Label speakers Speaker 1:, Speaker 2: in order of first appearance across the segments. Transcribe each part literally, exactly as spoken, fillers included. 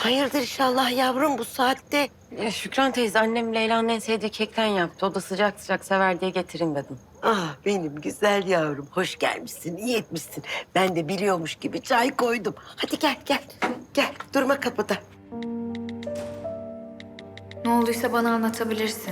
Speaker 1: Hayırdır inşallah yavrum bu saatte?
Speaker 2: Ya Şükran teyze annem Leyla'nın en sevdiği kekten yaptı. O da sıcak sıcak sever diye getireyim dedim.
Speaker 1: Ah benim güzel yavrum. Hoş gelmişsin, iyi etmişsin. Ben de biliyormuş gibi çay koydum. Hadi gel, gel. Gel, durma kapıda.
Speaker 3: Ne olduysa bana anlatabilirsin.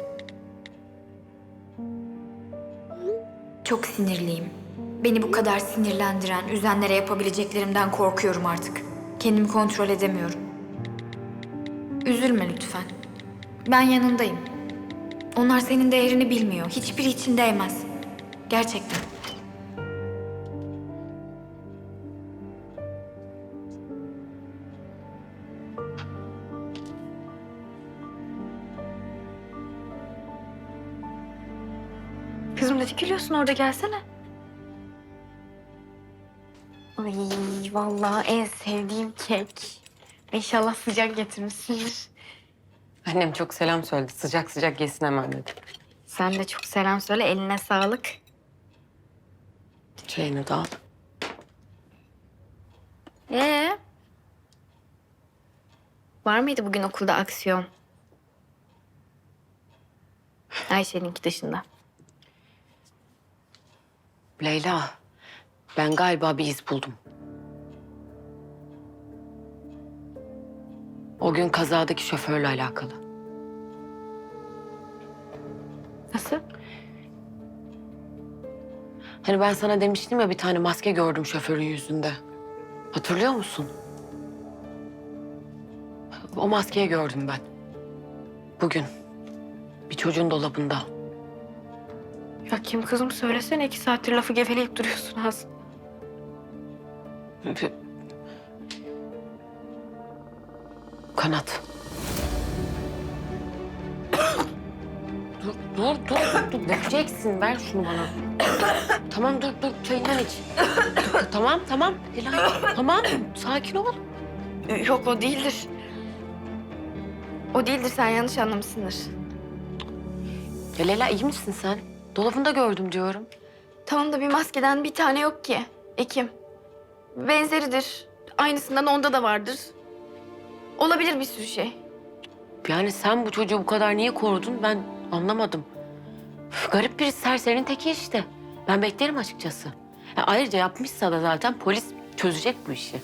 Speaker 3: Çok sinirliyim. Beni bu kadar sinirlendiren, üzenlere yapabileceklerimden korkuyorum artık. Kendimi kontrol edemiyorum. Üzülme lütfen. Ben yanındayım. Onlar senin değerini bilmiyor. Hiçbiri için değmez. Gerçekten. Kızım ne dikiliyorsun orada, gelsene.
Speaker 4: Ay vallahi en sevdiğim kek. İnşallah sıcak getirmişsindir.
Speaker 2: Annem çok selam söyledi. Sıcak sıcak yesin hemen dedi.
Speaker 4: Sen de çok selam söyle, eline sağlık.
Speaker 2: Çayını da al.
Speaker 4: Ee? Var mıydı bugün okulda aksiyon? Ayşe'ninki dışında.
Speaker 2: Leyla, ben galiba bir iz buldum. O gün kazadaki şoförle alakalı.
Speaker 4: Nasıl?
Speaker 2: Hani ben sana demiştim ya bir tane maske gördüm şoförün yüzünde. Hatırlıyor musun? O maskeyi gördüm ben. Bugün. Bir çocuğun dolabında.
Speaker 4: Ya kim kızım, söylesene, iki saattir lafı geveleyip duruyorsun az.
Speaker 2: Kanat. dur, dur, dur, dur, dur. Dökeceksin. Ver şunu bana. Tamam, dur, dur. Çayından iç. Tamam, tamam. Leyla, tamam. Sakin ol.
Speaker 4: Yok, o değildir. O değildir, sen yanlış anlamışsındır.
Speaker 2: Ya Leyla, iyi misin sen? Dolabında gördüm diyorum.
Speaker 4: Tamam da bir maskeden bir tane yok ki. Ekim. Benzeridir. Aynısından onda da vardır. Olabilir bir sürü şey.
Speaker 2: Yani sen bu çocuğu bu kadar niye korudun ben anlamadım. Üf, garip bir serserinin teki işte. Ben beklerim açıkçası. Ya ayrıca yapmışsa da zaten polis çözecek bu işi.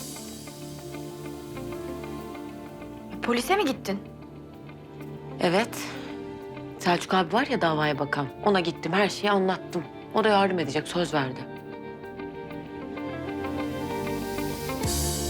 Speaker 4: Polise mi gittin?
Speaker 2: Evet. Selçuk abi var ya davaya bakan. Ona gittim, her şeyi anlattım. O da yardım edecek, söz verdi.